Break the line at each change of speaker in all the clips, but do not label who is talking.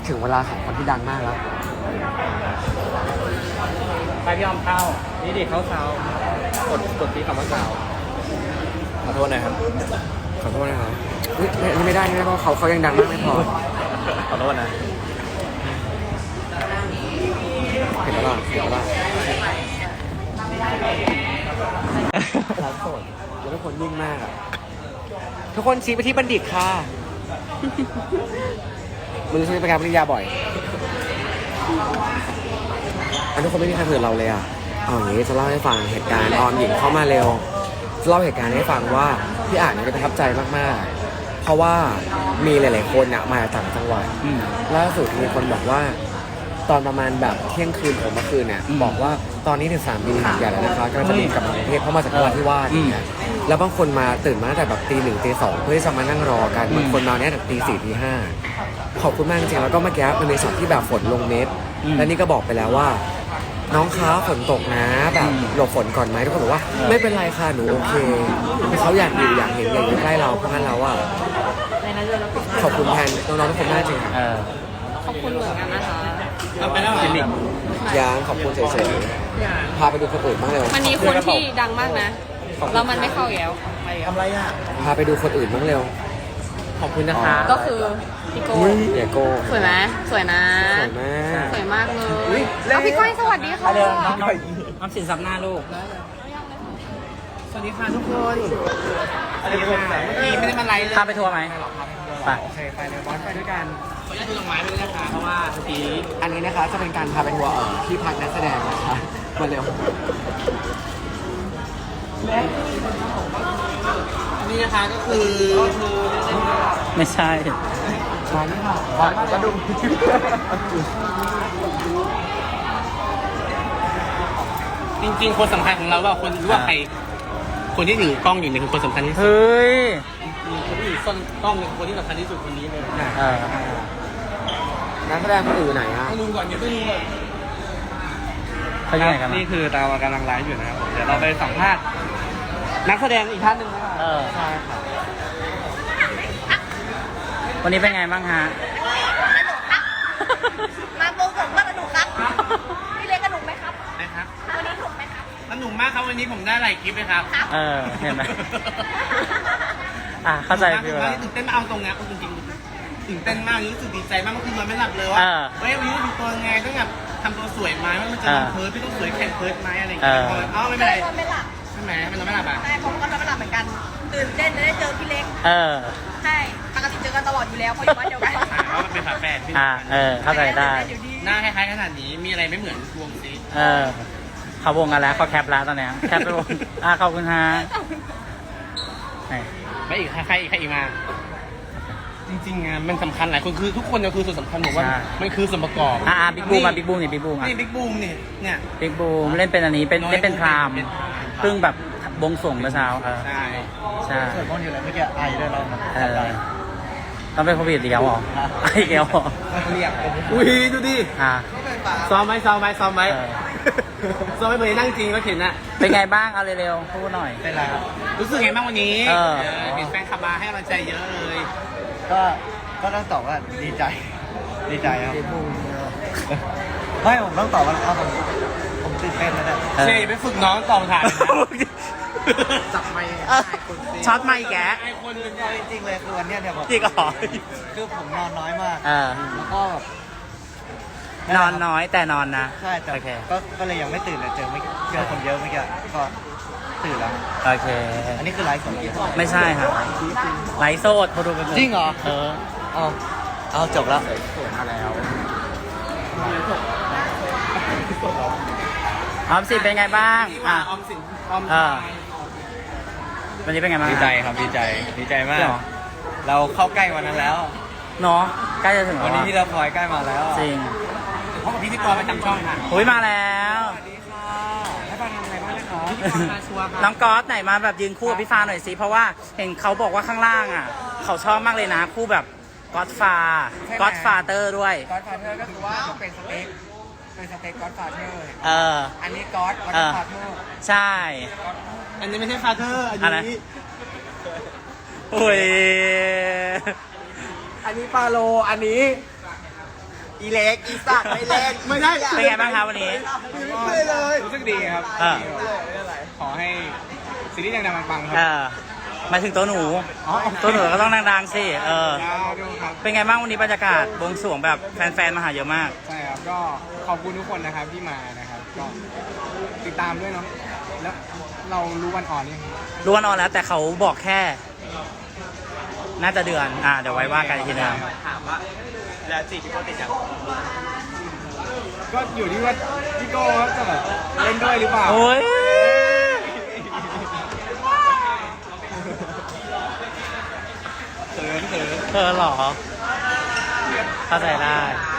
ถึงเวลาของคนที่ดังมากแล้ว
ไปพี่ออมเข้านี่ดิเขาเซากดที่คำว่าเซาขอโทษนะครับ
ขอโทษนะครับนี่ไม่ได้นี่เพราะเขายังดังมากไม่พอ
ขอโทษนะ
เห็นแล้วล่ะร้านสดแล้วทุกคนนิ่งมากอ่ะทุกคนชี้ไปที่บัณฑิตค่ะมึงซื้อไปงานปริญญาบ่อยอันทุกคนไม่มีใครเผื่อเราเลยอ่ะเอาอย่างนี้จะเล่าให้ฟังเหตุการณ์ออมหญิงเข้ามาเร็วจะเล่าเหตุการณ์ให้ฟังว่าพี่อ่านเนี่ยประทับใจมากๆเพราะว่ามีหลายๆคนอ่ะมาจากต่างจังหวัดล่าสุดมีคนบอกว่าตอนประมาณแบบเที่ยงคืนของเมื่อคืนเนี่ยบอกว่าตอนนี้ถึง3 ปีใหญ่แล้วนะคะกำลังจะบินกลับมากรุงเทพเพราะมาจากนราธิวาสอย่างเงี้ยแล้วบางคนมาตื่นมาตั้งแต่แบบตี 1 ตี 2เพื่อจะมานั่งรอกันบางคนมาเนี่ยตั้งแต่ตี 4 ตี 5ขอบคุณมากจริงๆแล้วก็เมื่อกี้มันมีช็อตที่แบบฝนลงเม็ดและนี่ก็บอกไปแล้วว่าน้องค้าฝนตกนะแบบหลบฝนก่อนไหมทุกคนบอกว่าไม่เป็นไรค่ะหนูโอเคเขาอยากอยู่อยากเห็นอยากอยู่ใกล้เราเพราะงั้นเราอะขอบคุณแทนน้องๆทุกคนมากจริงค่ะ
ขอบคุณเหมือนกันนะคะ
เอาไปแล้วจิมมี่
ยังขอบคุณเฉยๆพาไปดูคนอื่นบ้างเร็ว
มันมีคนที่ดังมากนะแล้วมันไม่เข้าแล้ว
ทำไรอ่ะ
พาไปดูคนอื่นบ้างเร็ว
ขอบคุณนะคะ
ก็คือพี่โก้
เดี๋ยวโก้
สวยไหมสวยนะ
สวยมาก
สวยมากเลยแล้วพี่ก้อยสวัสดีค่ะ
น้องสินซับหน้าลูกสวัสดีค่ะทุกคนสวัสดีค่ะเมื่อกี้ไม่ได้มาไลฟ์เลยพาไปทัวร์ไหมไป
โอเคไปเลยบอสไปด้วยกัน
ขออนุญาตดูดอกไม้ไปด้วยนะคะเพราะว่าที
อันนี้นะคะจะเป็นการพาไปทัวร์ที่พักนักแสดงนะคะมาเร็ว
นี่นะคะก็คือไม่ใช่
ใช่นี่ค่ะก็ดู
จริงๆคนสำคัญของเราว่าคนรู้ว่าใครคนที่ถือกล้องอยู่เนี่ยคือคนสำคัญที่สุด
เฮ้ย
คนที่ถือกล้องเนี่ยคนที่สำคัญที่สุดคนนี้เลย
นักแสดงคนอื่นไหนฮะ
ต้องดูก่อนเดี๋ยวต้องดูก่อน
เขาอยู่ไหนกัน
นี่คือเรากำลังไลฟ์อยู่นะครับเดี๋ยวเราไปสัมภาษณ์นักแสดงอีกท่านหนึ่งนะครับ
ใช่ค่ะ
วันนี้เป็นไงบ้างฮะ
มาโปรโมทว่าสนุกครับพี่เล็กสนุกไหมครับ
นะครับ
วันนี้สนุกไหมครับ
สนุกมากครับวันนี้ผมได้หลายคลิปเลยครับ
เห็นไหมเข้าใจพี่ว่า
ตื่นเต้นมากเอาตรงนะจริงๆตื่นเต้นมากรู้สึกดีใจมากเมื่อคืนนอนไม่หลับเลยว่าเฮ้ยวันนี้ทำตัวไงต้องแบบทำตัวสวยไหมว่ามันจะเพิร์ดพี่ต้องสวยแข่งเพิร์ดไหมอะไรอย่างเงี้ยไม่เป็นไร
นอนไม่หลับ
ใช่ไหมมันนอนไม่หลับอ่ะ
ใช่ผมก็นอนไม่หลับเหมือนกันตื่นเต้นจะได้เจอพี่เล็กใช่ปกติเจอกันตลอดอยู่แล้วเพราะอยู่บ้านเดียวกัน
เพราะมันเป็นฝาแฝดพี่
เข้าใจได้
หน้าคล้ายๆขนาดนี้มีอะไรไม่เหมือนวงซี
เขาวงกันแล้วเขาแคปแล้วตอนนี้แคปไปวงขอบคุณฮะ
ไม่อีกใครอีกมาจริงๆอะมันสำคัญหลายคนคือทุกคนคือส่วนสำคัญผมว่ามันคือส่วนประกอบ
บิ๊กบูมมาบิ๊กบูมนี่บิ๊กบูม
นี่บิ๊กบูมเนี่ย
บิ๊กบูมเล่นเป็นอันนี้เล่นเป็นพรามเพิ่งแบบบงส่งเมื่อเช้าใช่
ส่วนพวกนี้อะไรเมื่อกี้ไอได้แล้ว
ต้องเป็นโควิดอีกแล้วหรออีกแล้วหรอ
เรียกอุ้ยดูดิซ้อมไหมซ้อมไหมเหมือนนั่งจริงก็เห็นอะ
เป็นไงบ้างเอาเร็วๆพูดหน่อย
เป็นไรครับรู้สึกไงบ้างวันนี้เห็นแฟนคลับมาให้กำลังใจเยอะเลย
ก็ต้องตอบว่าดีใจครับไม่ผมต้องตอบว่าผมตื่นเต้นนะเนี่ย
เชยไปฝึกน้องตอบถ่าย
จับไมค์ช็อตไมค์แก
ไอคนนึง
จริงเลยคือวันนี้เนี่ยผม
จริงเหรอ
คือผมนอนน้อยมากแล้วก็
นอนน้อยแต่นอนนะ
ใช่แต่ก็เลยยังไม่ตื่นเลยเจอคนเยอะเมื่อกี้ก็ตื่นแล้ว
โอเค
อันนี้คือไลฟ์สด
ไม่ใช่ครับไลฟ์สดพอดูกัน
จริงเหรอเอาจบแล้ว
มาแล้วออมสินเป็นไงบ้าง
ออมสิน
วันนี้เป็นไงบ้าง
ดีใจครับดีใจมากเราเข้าใกล้วันนั้นแล้ว
เนาะใกล้จะถึง
วันนี้ที่เราพลอยใกล้มาแล้ว
จริง
เพราะพิธีกรประจำช่องค่ะ
มาแล้ว
สวัสดีค่ะให้ฟังทำอะไรบ้างนะครับ
น้องก๊อตไหนมาแบบยืนคู่กับพี่ฟ้าหน่อยสิเพราะว่าเห็นเขาบอกว่าข้างล่างอ่ะเขาชอบมากเลยนะคู่แบบก๊อตฟาเตอร์ด้วย
ก๊อตฟาเธอร์ก็คือว่าเป็นสเต็กก๊อตฟาเธอร์อันนี้ก๊อตฟาเธอร์
ใช่
อันนี้ไม่ใช่ฟาเธอร์อันนี้
โอ้ยอันนี้ปาโลอันนี้
อีเล็กอีสัตว์ไม่เล่น
ไม่ได้
เป็นไงบ้างครับวันนี้
ไม่เลยรู้สึกดีครับ
เออ
ขอให้ซีรีส์ดังๆปังๆค
เอ
รับ
อมาถึงตัวหนู ตัวหนูก็ต้องดังๆสิ เออ
ยาวดูครับ
เป็นไงบ้างวันนี้บรรยากาศบวงสรวงแบบแฟนๆมาหาเยอะมาก
ใช่ครับก็ขอบคุณทุกคนนะครับที่มานะครับก็ติดตามด้วยเนาะแล้วเรารู้วันอ่อนยัง
รู้วันออนแล้วแต่เขาบอกแค่ น่าจะเดือน เดี๋ยวไว้ว่ากันอีกทีนึง
ถามว่าแล้วจีพี่โก้ติดยัง
ก็อยู่ที่ว่าพี่โก้เขาจะแบบเล่นด้วยหรือเปล่า
โอ้ย
เขิน
เธอเหรอ เข้าใจได้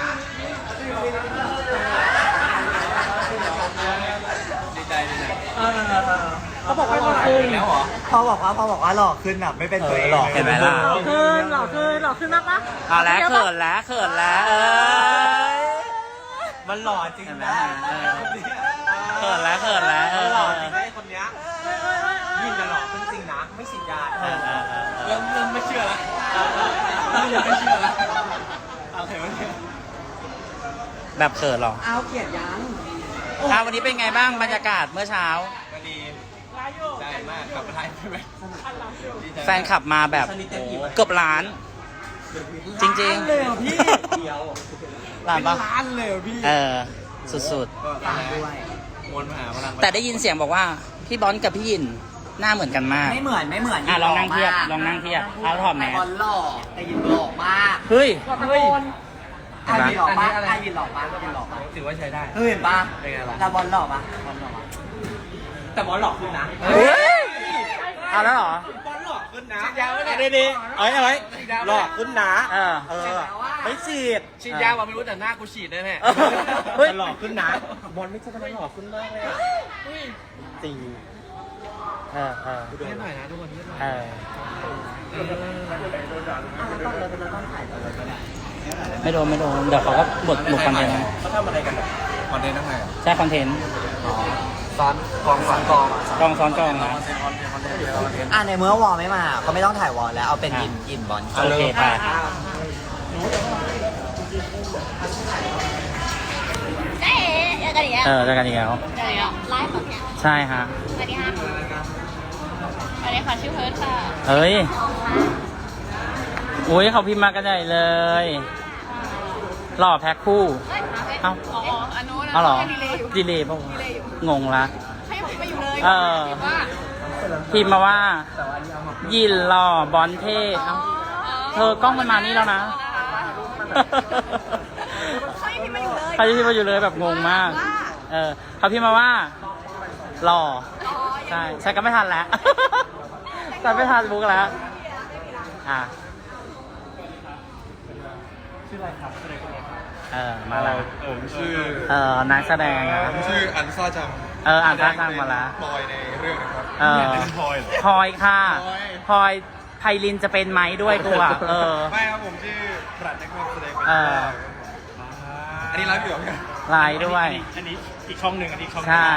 ดีใจ
เขาบอกว่าหล่อขึ้นแล้วเหรอพอบอกว่าหล่อขึ้นอ่ะไม่เป็นตัวเอง
หล่อเห็นไหมล่ะ
หล่อขึ้นมากปะ
เอาแล้วเขินแล้วเอ้ย
มันหล่อจริง
เห็นไหม
นะ
เขินแล้ว
หล่อจริงไอ้คนเนี้ยยิ่งจะหล่อขึ้นจริงนะไม่ฉีดยา
เริ่มไม่เชื่อละเริ่มไม่เชื่อละอะไรวะเนี่ย
แบบเขินเหรอ
เอาเกียดยัง
วันนี้เป็นไงบ้างบรรยากาศเมื่อเช้า
ก็ดีใจมากกลับมาไทยใช่ไหมดีใจ
แฟนขับมาแบบเกือบล้าน จริงๆ
เลยพี่เดียว
ล้านปะ
ล้านเลยพี่
เออ สุด
ก็ตายด้วยมวลมหาพลัง
ๆ แต่ได้ยินเสียงบอกว่า พี่บอลกับพี่ยินหน้าเหมือนกันมาก
ไม่เหมือน
ลองนั่งเทียบเอาถอดแมส
บอลหล่อแต่ยินหล่อมาก
เฮ้ย
ไอ้ยินหล่อมากไอ้ยินหล่อมากยินหล่อมาก
ถือว่าใช้ได้
เห็นปะ
เป็นไงล่ะ
แล้วบอลหล่อปะบอลหล่อปะแต่บอลหล่อขึ้นนะ
เฮ้ย เอาแล้วเหรอ
บอลหลอกขึ้นนะ
ฉีดยาไม่ได้
ดีๆเอ้ย
หล่อขึ้นนะ
เออ
ไม่ฉีด
ฉีดยาว่าไม่รู้แต่หน้ากูฉีดได้แน่
เฮ้ย
หล่อขึ้นนะบอลไม่ใช่ทำไมหล่อขึ้นมากเลยอะจริง
เออ
เทียบหน่อยนะทุกคนเทียบหน่อย
เออ ไม่โดน เดี๋ยวเขาก็บดคอนเทนต์นะ
เขาทำอะไรกันคอนเทนต์ทั้งไง
ใช่คอนเทนต์
ซ้อนกองซ้อนกอง
กองซ้อนกองนะ
คอนเทนต์
ในเมื่อวอลไม่มาก็ไม่ต้องถ่ายวอลแล้วเอาเป็นยินบอล
โอเคไป
เจ๊เจอกันอีกแล้ว
เจอกันอีกแล้ว
เจอกันอีกแล้วไลฟ์แบบเนี้ย
ใช่ฮะ
สวัสดีค่ะสวัสดีค่ะชื่อเพิร์ทค่ะ
เฮ้ย อุ้ยเขาพิมพ์มากันใหญ่เลย หล่อแพ็คคู่
เฮ้ย
เอ้า
อ๋ออันนู้น
เอาเหรอ
ดีเลยอยู่
ดีเลยป่ะงงละ
ให้ผมไปอยู่เลย
เออ
ว่า
พิมพ์มาว่า ยินหล่อบอลเท่เอ้าเธอกล้องมันมานี่แล้วนะ
เขายังพิมพ์มาอยู่เลย
เขาพิมพ์มาอยู่เลยแบบงงมาก เขาพิมพ์มาว่า หล่อ ใช่ใช่ก็ไม่ทันแล้ว แต่ไม่ทันบุ๊กแล้ว
ชื่ออะไรครับ
มาแล้ว
ผมชื่อ
นักแสดงนะ
ผมชื่ออันซ่าจัง
อ่านท่าทางมาแล้ว
บอยในเรื่องนะครับ
พลอยค่ะพลอยไพลินจะเป็นไหมด้วยกูอ่ะ
ไม่ครับผมชื่อปรัชญ์นักแสดง อันนี้ไลฟ์อยู่เหรอ
ไลน์ด้วย
อันนี้อีกช่องหนึ่งอันนี้ช่อง
ใช่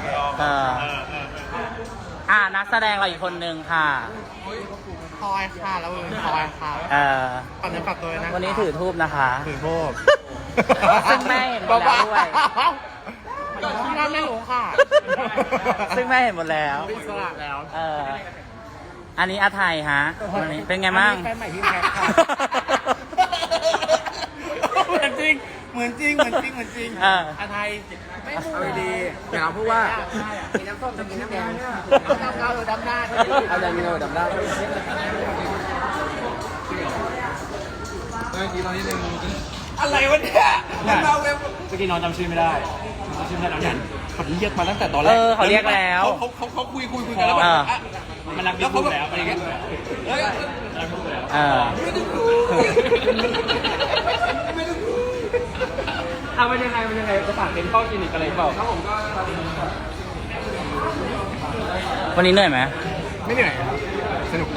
นักแสดงเราอีกคนนึงค่ะ
พลอยค่ะแล้วพลอยค่ะฝากเนื้อฝากตัวนะ
วันนี้ถือทูบนะคะ
ถือโบก
ซึ่งแม่เห็นหมดแล้วด้วย
ที่นั่นไม่รู้ค่ะ
ซึ่งแม่เห็นหมดแล้ว
อิสระแล้ว
อันนี้อาไทยฮะวันนี้เป็นไงบ้าง
แฟนใหม่พี่แพทค่ะ เหมือนจริงอาไทยไม่พูดดีอย่าพูดว่ากินน้ำส้มจะกินน้ำแดงน้ำเกาหรือดำหน้าเอาดำเงาดำหน้าอะไรวะเนี่ยเราเว็บ
เมื่อกี้น้องจำชื่อไม่ได้จำชื่อไม่ได้น้องยันเขาเรียกมาตั้งแต่ตอนแรก
เขาเรียกแล้ว
เขาคุยกันแล้วแบบ
มันรักบิ๊กบูมแล้วอะไรเงี้ย มันยังไงจะฝากเป็นข้อคลินิกอะไรเปล่าครับผมก็
วันนี้เหนื่อยไหม
ไม่เหนื่อยครับสนุก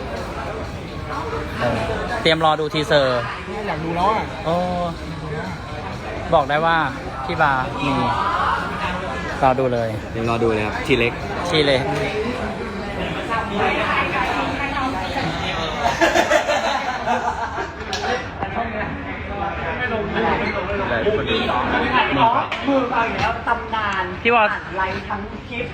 เตรียมรอดูทีเซอร์
อยากดูแล้วอ่ะ
โอ้บอกได้ว่าที่บาร์มีรอดูเลย
เดี๋ยวรอดูเลยครับ ทีเล็ก
ชีเลยเลยทุกคนดูนี่ครับ
มือเอาอย่างแล้วตำนาน
พี่บอล
ไลฟ์ทั้งคลิป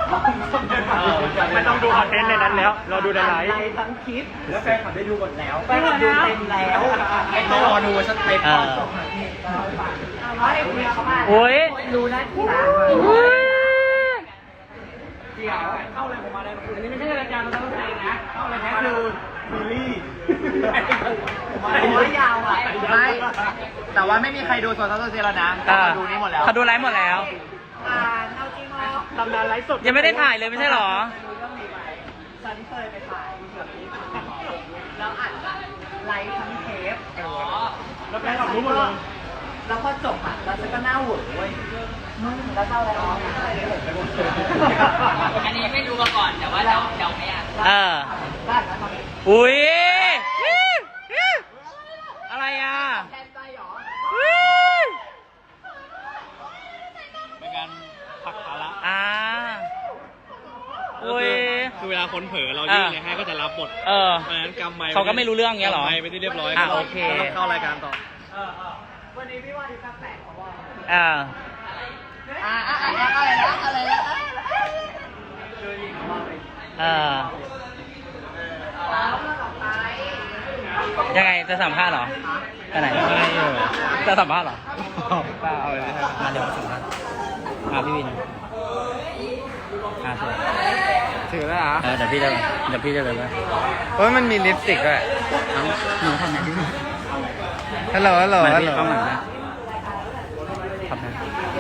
ไม่ต้องดูคอนเทนต์ในนั้นแล้ว เราดูในไลฟ์
ไลฟ์ทั้งคลิปแล้วแฟนคลับได้ดูหมดแล้วแฟนคลับดูเต็มแล้วต้องรอดูชัดเต็มก่อนจบให้คุยเขามา
โอ้ย
ดูได้ที่ร้าน
อุ้ย
เข้าเลยผมมาเลยอันนี้ไม่ใช่รายการเราต้องแสดงนะเข้าเลยนะคือซีรีส์ผมว่ายาวอ่ะไม่แต่ว่าไม่มีใครดูโซนเซแล้วนะดูนี้หมดแล้ว
เขาดูไลฟ์หมดแล้ว
เอาจริงเหรอ
ตำนานไลฟ์สด
ยังไม่ได้ถ่ายเลยไม่ใช่หรอ
ฉันเคยไปถ่ายแล้วอัดไลฟ์ทั้งเทป
แล้วแฟนคลับรู้หมดเลย
แล้วพอจบอ่ะแล้วฉันก็หน้าเหวอเว้ยแล้วเศร้าแล้ว
อันนี้ไม่รู้มาก่อนแต่ว่าเราไม่อยาก
เออ อุ้ย อะไรอ่ะอุ้ย
เป็นการผลักภาระ
อ่าอุ้ย
คือเวลาคนเผลอเรายื่นเลยให้ก็จะรับบท
เออ
เพราะฉะนั้นกำไม
เขาก็ไม่รู้เรื่องเงี้ยเหรอ
กำไมไปที่เรียบร้อย
อ่ะโอเค
ก็ต้องเข้ารายการต่อ
วันนี้พี่ว่าดีแปลกๆเพราะว่า
อ่า
อะไรนะ
เออ ยังไงจะสัมภาษณ์เหรอไปไหนจะสัมภาษณ์เหรอ
เปล่าเลย
มาเดี๋ยวมาสัมภาษณ์พี่วินสวย
ถือแล้วอ่ะ
เดี๋ยวพี่จะเลยว่า
เฮ้ยมันมีลิปสติกด้วย
หนูทำไหนที่
ฮัลโหลฮัลโหล
เหมือน
ฮัล
พี่
โหล
กล้องหลังนะทำนะ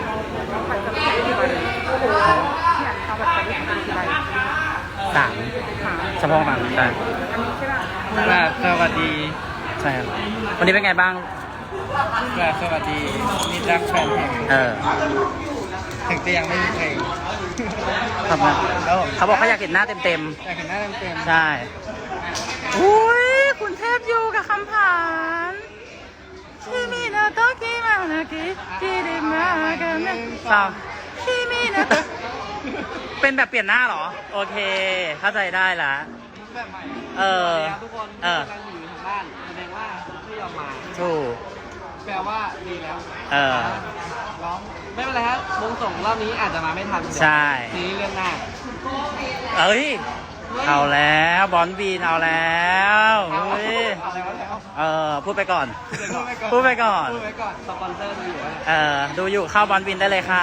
สามเฉพาะบางใช่
สวัสดี
ใช่ครับวันนี้เป็นไงบ้าง
สวัสดีนี่รักแฟนเพลง
เออ
ถึงจะยังไม่มีเพลง
ทำนะเขาบอกเขาอยากเห็นหน้าเต็ม
อยากเห็นหน้าเต็ม
ๆ ใช่ อุ้ยคุณเทพอยู่กับคำผ่านคิมินาโตะกิมานากิกิริมากันนะต่อคิมินาโตะเป็นแบบเปลี่ยนหน้าเหรอ โอเค เข้าใจได้ละ
แบบใหม่
เออ
ทุกคน
เออ
กำลังอยู่ทางบ้านแสดงว่าไม่ยอมมา
ถูก
แปลว่าดีแล้ว
เออ
ร้องไม่เป็นไรครับวงส่งรอบนี้อาจจะมาไม่ทัน
ใช่
ทีนี้เรื่องหน้า
เอ้ย เอาแล้วบอลบีนเอาแล้วเฮ้ย
อะไรวะแล้ว
เออ พูดไปก่อน พูดไปก่อน
พูดไว้ก่อนสปอนเซอร์ดูอยู่ว่า
ดูอยู่เข้าบอลบินได้เลยค่ะ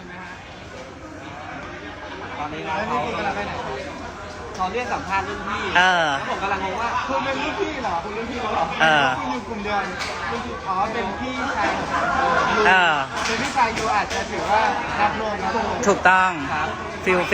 ตอนนี้น้องเขากำลังไปไหนเขาเรียกสัมภาษณ์รุ่นพี่
เออ
แล้วผมกำลังงงว่าคุณเป็นรุ่นพี่เหรอคุณรุ่นพี่เขาเหรอ
เออ
คุณอยู่กลุ่มเดียวกันรุ่นพี่อ๋อเป็นพี่ชายของผม
เออ
เป็นพี่ชายอยู่อาจจะถือว่ารับรวมนะ
ถูกต้อง
ครับ
ฟิล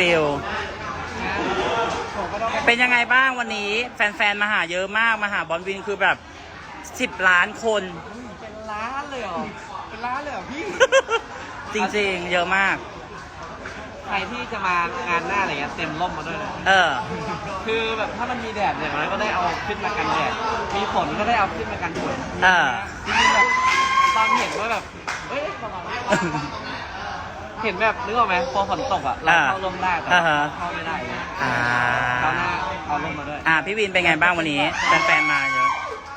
ผมก็ต้องไป
เป็นยังไงบ้างวันนี้ แฟนๆ มาหาเยอะมาก มาหาบอลวินคือแบบ 10 ล้านคน
เป็นล้านเลยเหรอเป็นล้านเลยเหรอพี่
จริงๆ เยอะมาก
ใครที่จะมางานหน้าอะไรเงี้ยเต็มร่มมาด้วยนะ
เออ
คือแบบถ้ามันมีแดดอย่างน้อยก็ได้เอาขึ้นมากันแดด มีฝนก็ได้เอาขึ้นมากันฝน
เออ
จริงๆแบบตอนเห็นว่าแบบเอ้ยประมาณว่าเห็นแบบนึกออกไหมพอฝนตกอ่ะเราเข้าร่มได้แต่เข้าไม่ได้เลย
อ่า
เข้าหน้าเอาร่มมาด้วย
พี่วินเป็นไงบ้างวันนี้ แฟนๆ มาเยอะ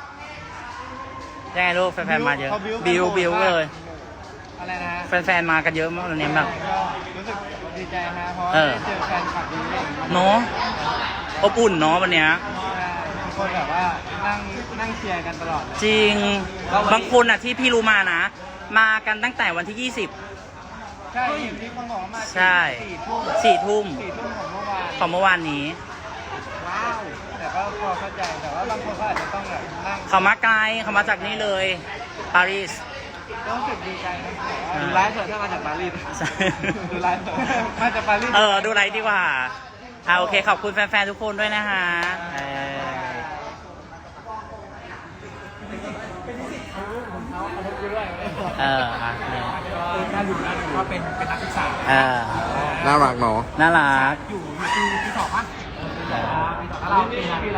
ยังไงลูกแฟนๆ มาเยอะ บิวเลย
อะไรนะฮะ
แฟนๆ มากันเยอะมากวันนี้แบบ
ก็รู้สึกดีใจฮะเพราะว่า
เออ
ได้เจอแฟนคลับดีเอง
เนาะอบอุ่นเนาะวันเนี้ย
ทุกคนแบบว่านั่งเชียร์กันตลอดเลย
จริง บางคนอ่ะที่พี่รู้มานะ มากันตั้งแต่วันที่
ใช่เห็นที่คนบอกว่ามา
ใช่
4 ทุ่ม
20 4 ทุ่ม
4 ทุ่มของเมื่อวาน
ของเมื่อวานนี้
ว้าวแต่ก็พอเข้าใจแต่ว่าบางคนก็อาจจะต้องแบบนั่ง
เขามาไกลเขามาจากนี่เลย ปารีส
ก็รู้สึกดีใจนะ
อ่า
ดูไลฟ์เถอะถ้ามาจากปารีส
ใช่
ดูไลฟ์เถอะมาจากปารีส
ดูไลฟ์ดีกว่าโอเค ขอบคุณแฟนๆ ทุกคนด้วยนะฮะ
การอยู่นะว่าเป็นนักศึกษา
น่ารักเนาะ
น่ารัก
อยู่ที่สองป่ะแล้วเราเป็นอะไร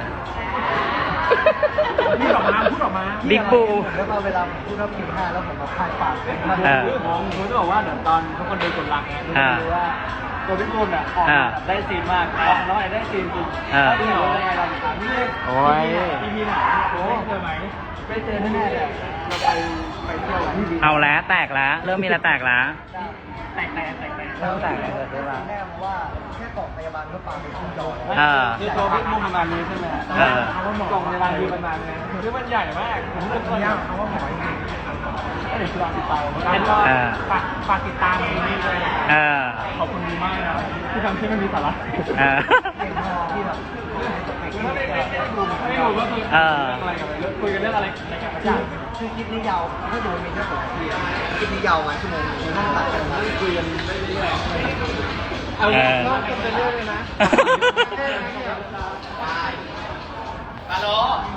พูดออกมา
บิ๊กบู
แล้วก็เวลาผมพูดว่าผิวหน้าแล้วผมมาพายปากมัน
ผมจะบอกว่าเดี๋ยวตอนทุกคนเดินกดลังเนี่ย
ดูว่าตัวพี่คุณอ่ะออกมาได้ซีนมากออกน้อยได้ซีนจริงที่เราเป็นไงเราถามพี่เล็ก
โอ้ย
พี่ไหนโอ้เจอไหม
ไม่เจอแน่ๆเลยเราไป
เอาแล้วแตกแล้ว เริ่มมีอะไรแตกแล้ว
แตก
เริ่มแตกแล้วเกิดขึ้นแล้ว
แน่เพราะว่าแค่กล่องพยาบาลก็ปาไปขึ้นจอ
คือตัวบิ๊กมุมประมาณนี้ใช่ไหมฮะกล่องในร้านคือประมาณนี้คือมันใหญ่มากผมเป็นคนยากเขาว่าหมอจริงก็เดี๋ยวลองติดตามแล้วก็ฝากติดตามนี้ด้วยขอบคุณมากนะที่ทำให้มันมีสาระที่แบบไม่รู้ว่าคืออะไรกันเลยคุยกันเรื่องอะไรกัน
คือคลิปนี้ยาวถ้าดูมีแค่6 นาทีคลิปนี้ยาวมาชั่วโมงนึงนั่งตัดกันมาคุยกันเรื่อยๆเอาเรื่องเป็นเรื่องเลยนะฮัลโหล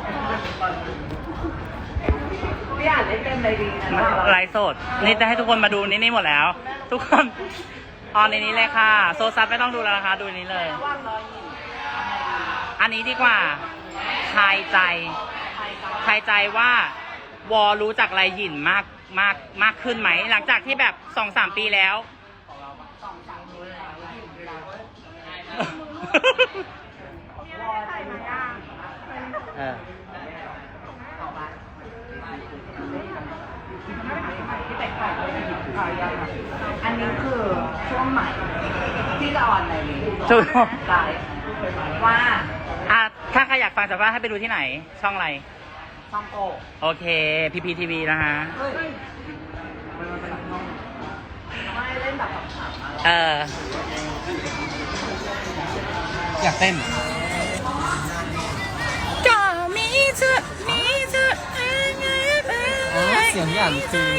พี่อ่านได้เต็มเลยดีนะ
ไลฟ์สด นี่จะให้ทุกคนมาดูนี่หมดแล้ว ทุกคนออนในนี้เลยค่ะ โซซัสไม่ต้องดูแล้วนะคะ ดูนี้เลย อันนี้ดีกว่าทายใจว่าวอรู้จักไรหยินมากขึ้นไหม หลังจากที่แบบ 2-3 ปีแล้ว
อันนี้คือช่วงใหม่ที่จะออนในนี้
ถูก
ไลฟ์ว่า
ถ้าใครอยากฟังสัมภาษณ์ให้ไปดูที่ไหน ช่องอะไร
ช่องโก
โอเค PPTV นะฮะ
ไม่เล่นแบบขำ
อยากเต้น
ก็มีเธอ
เสียงอย่างจริง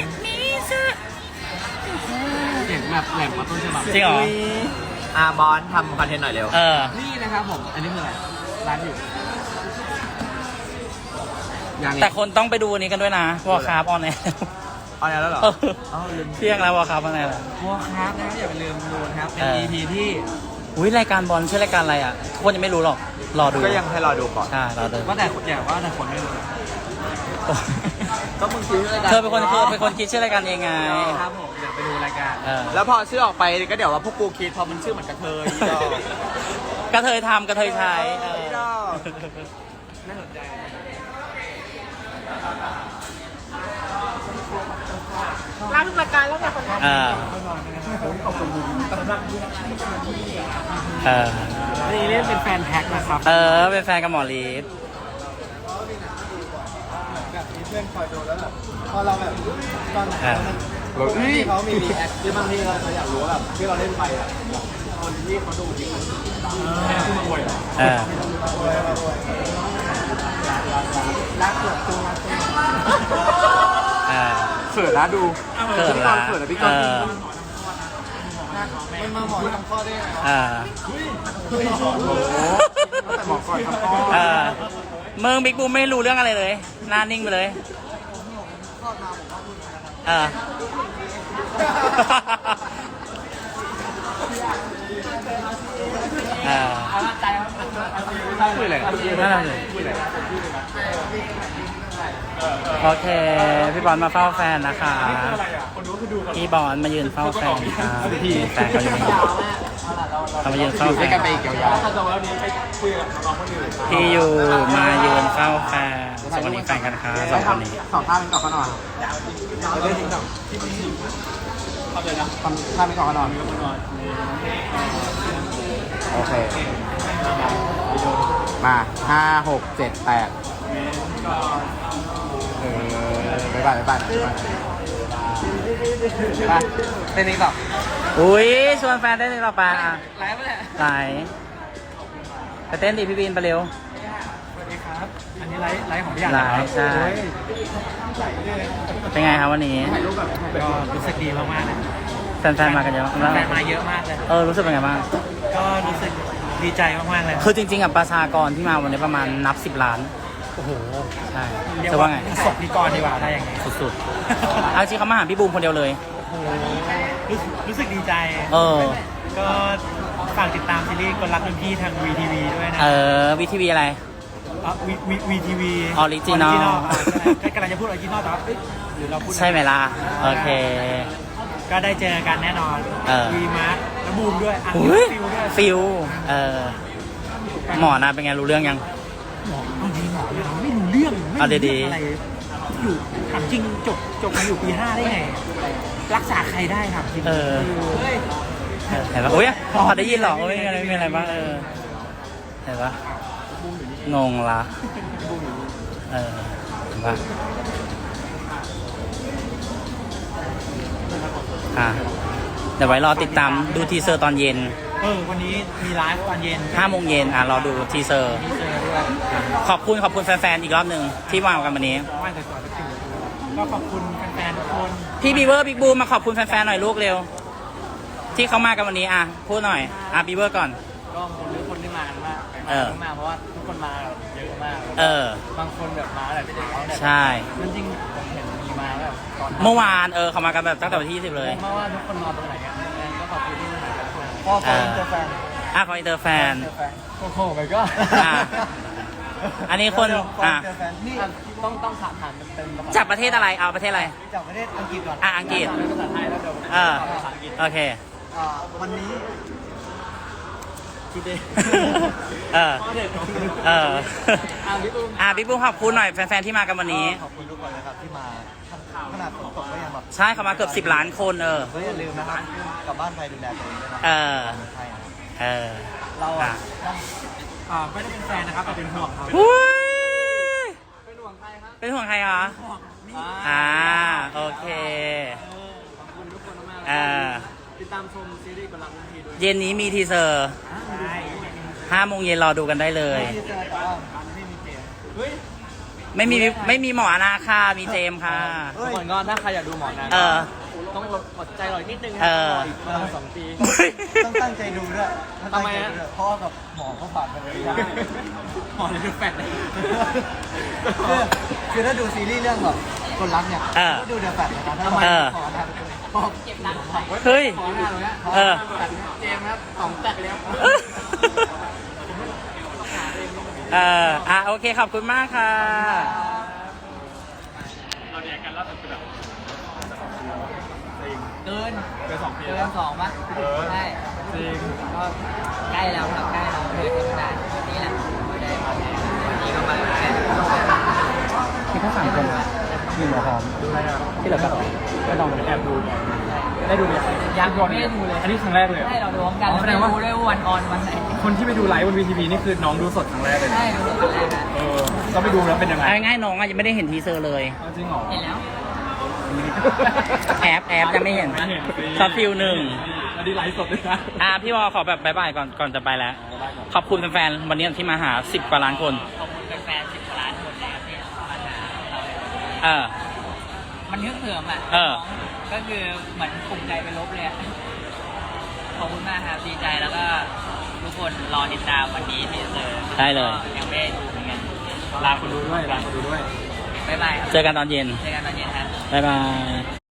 เสียงแบบแหลมกว่าต้นฉบับ
จริงเหรอ
บอลทำคอนเทนต์หน่อยเร็ว
นี่นะครับผม อันนี้คืออะไร ร้านอยู่ยัง
แต่คนต้องไปดูอันนี้กันด้วยนะวอลคาร์บออนแอร์
ออนแอร์แล้วเหรอ
เที่ยงแล้ววอลคาร์บออนแอร์
วอลครับนะอย่าไปลืมดูนะครับ เป็น EP ที่
อุ้ยรายการบอลชื่อรายการอะไรอ่ะทุกคนยังไม่รู้หรอก รอดู
ก็ยังให้รอดูก่อน
ใช่รอดู
ว่าแต่อย่าว่าแต่คนไม่รู้
ก็มึงคิดรายการ
เธอเป็นคนคิดชื่อรายการเองไง
ครับผมเดี๋ยวไปดูรายการ
แล้วพอชื่อออกไปก็เดี๋ยวว่าพวกกูคิดพอมันชื่อเหมือนกระเทยก็
กระเทยทำกระเทยใช้
น่าสนใจ
ร้านทุกรายการแล้วแต่คนทำ
นี่เล่นเป็นแฟนแท็กนะครับ
เป็นแฟนกับหมอลีฟ
แบบมีเพื่อนคอยดูแล้วแบบพอเราแบบตอนไหนที่เขามีรีแอคที่บางทีเราอยากรู้ว่าแบบที่เราเล่นไปอ่ะคนที่เขาดูจริงแม่ที่มาอวยรักเกิดตัวเขินนะดู
เขินละ
เขินนะพี่ก้อนมันมาหมอทำข้อได้ไงแต่หมอก่อนทำข้อ
เมืองบิ๊กบูมไม่รู้เรื่องอะไรเลยหน้านิ่งไปเลย
คุยอะไร
นั่นแหละโอเค พี่บอลมาเฝ้าแฟนนะคะพี่บอลมายืนเฝ้าแฟนค่ะแฟนเขาอยู่นี่เขามายืนเฝ้าแฟนพี่อยู่มายืนเฝ้าแฟนสวัสดีแฟนกันค่ะสองคนนี้
สองท่าเป็นต่อขนอนเราได้ทิ้งต่อทำเลยนะทำท่าเป็นต่อขนอนโอเคมา5 6 7 8บ๊ายบายไปเต้นนี้ต่อ
อุ้ยชวนแฟนเต้นต่อไปอ่ะ
ไลฟ์ไปแหละ
ไลฟ์ไปเต้นดิพี่บินไปเร็ว
สวัสดีครับ อันนี้ไลฟ์ของพี่ใหญ่
ไลฟ์ใช่เป็นไงครับวันนี้
ก็รู้สึกดีมากๆเลย
แฟนๆมากันเยอะ
แฟนมาเยอะมากเลย
รู้สึกเป็นไงบ้าง
ก็รู้สึกดีใจมากๆเลย
คือจริงๆอ่ะประชากรที่มาวันนี้ประมาณนับ10 ล้าน
โอ้โห
ใช่
เรียก
จะ
ว่า
ว่าไง
ศพนิกรดีกว่าได้ยังไง
สุดๆเอาจริงเขามาหาพี่บูมคนเดียวเลย
โอ้โหรู้สึกดีใจ ก็ฝากติดตามซีรีส์คนรักรุ่นพี่ทาง VTV ด้วยนะ
VTV อะไร
VTV
Original
กำลังจะพูดออริจินอลแต่ว่าหรือเราพูด
ใช่ไหมล่ะ โอเค
ก็ได้เจอกันแน่นอนวีมาร์คและบูมด้วยฟิลด้วย
ฟิลหมอนะเป็นไงรู้เรื่องยัง
หมอเอาจริงหมอไม่รู้เรื่องไม่รู้
เอาดีๆ
อะไรอยู่ถามจริงจบมาอยู่ปี5ได้ไง รักษาใครได้ถามจริง
เออ เห็นปะอุ้ยพอได้ยินหรอไม่มีอะไรบ้างเห็นปะงงละเห็นปะเดี๋ยวไว้รอติดตามดูทีเซอร์ตอนเย็น
วันนี้มีไลฟ์ตอนเย็น
5 โมงเย็นรอดูทีเซอร์
มีเจอด้วย
ขอบคุณแฟนๆอีกรอบหนึ่งที่มากันวันนี้
ว่าแต่ก่อนจะถึงก็ขอบคุณแฟนๆทุกคน
พี่บีเวอร์บิ๊กบูมมาขอบคุณแฟนๆหน่อยลูกเร็ว ที่เขามากันวันนี้พูดหน่อยบีเวอร์ก่อน
ก็ขอบคุณทุกคนที่มากันมาก มากเพราะว่าทุกคนมาเยอะมาก บางคนแบบมาแบบเช้าเนี่ย
ใช่
จริงผมเห็นมีมาแบบตอน
เมื่อวานเขามากันแบบตั้งแต่วันที่20เลย
เพราะว่าทุกคนนอนตรงไหนกันก็ขอบคุณที่มาทุกคนพ่อเจอแฟน
ขออินเตอร์แฟน
โอ้โหไปก็
อันนี้คน
นี่ต้องถามเป็น
จากประเทศอะไรเอาประเทศอะไร
จากประเทศอังกฤษก่อน
อังกฤษ
ภาษาไทยแล้วเดี๋ยว ภาษาอังกฤษ
โอเค
วันนี้ today
บิ๊กบูมขอบคุณหน่อยแฟนๆที่มากันวันนี้
ขอบคุณทุกคนนะครับที่มาขนาดฝนตกก็ยังแบบ
ใช่เขามาเกือบ10 ล้านคน
ก็อย่าลืมนะครับกลับบ้านไปดูแลตัวเองด้วยนะใช่ครับ เราไม่ได้เป็นแฟนนะครับแต่เป็นห่วงครับ เป็นห่วงใครครับ
เป็นห่วงใครคะ โอเค
ขอบคุณทุกคนมากเลยติดตามชมซีรีส์บัลลังก์ลุงพีด้วย
เย็นนี้มีทีเซอร์5 โมงเย็นรอดูกันได้เลย
ที่เจอแต่ว่าไม่มีเจมเฮ้ย
ไม่มีหมอนาค่ะมีเจมส์ค่ะ
ทุกคนก็ถ้าใครอยากดูหมอนะต้องอดใจรอนิดนึงอีกประมาณ2 ปีต้องตั้งใจดูด้วยทำไมฮะเพราะกับหมอเขาผ่านไปเลยหมอเลยดูแฟนเลยคือถ้าดูซีรีส์เรื่องแบบคนรักเนี่ยก็ดูเดือดแฟนนะครับทำไมหมอนะเก็บรัก
เฮ้ย
ขอหน้าเลยเจมครับ2 แตกแล้ว
โอเคขอบคุณมากค่ะ
เราเรียนกันล่าสุดคือแบบเกิน2 ปีเกิน2ป่ะใช่จริงก็ใกล้แล้วครับใกล้เราเลยทำงานวันนี้แหละไม่ได้มาวันนี้ก็มาแค่
ที่เขาสั่งคนมีหมอหอมที่เหลือแบบไม่ลองแอบดูได้ดู
ยังไม่ได้ดูเลย
อันนี้ครั้งแรกเลย
ใช่เราดูพร้อมกันไม่รู้ด้วยวันออนวันไหน
คนที่ไปดูไลฟ์บนวีทีวีนี่คือน้องดูสดครั้งแรกเลย
ใช่ดูครั้งแรกนะ
ก็ไปดูแล้วเป็นยังไงง่ายๆน้องยังไม่ได้เห็นทีเซอร์เลย
จริงเหรอเห็นแล้ว
แอบยังไม่เห็นซอฟฟิล1
อันนี้ไลฟ์สดเลยนะ
พี่วอขอแบบบายบายก่อนจะไปแล้วขอบคุณแฟนๆวันนี้ที่มาหา10 กว่าล้านคน
ขอบคุณแฟน10 กว่าล้านคนนะครับที่มาหามันฮึกเหิมก็คือเหมือนภูมิใจไปลบเลยขอบคุณมากครับดีใจแล้วก็ทุกคนรอติดตามวันนี้ทีเซอร์
ได้เลย
ยังไม่ได้ดูเหมือนกันลาคนดูด้วยบ๊ายบายครับ
เจอกันตอนเย็น
ครับ
บ๊ายบาย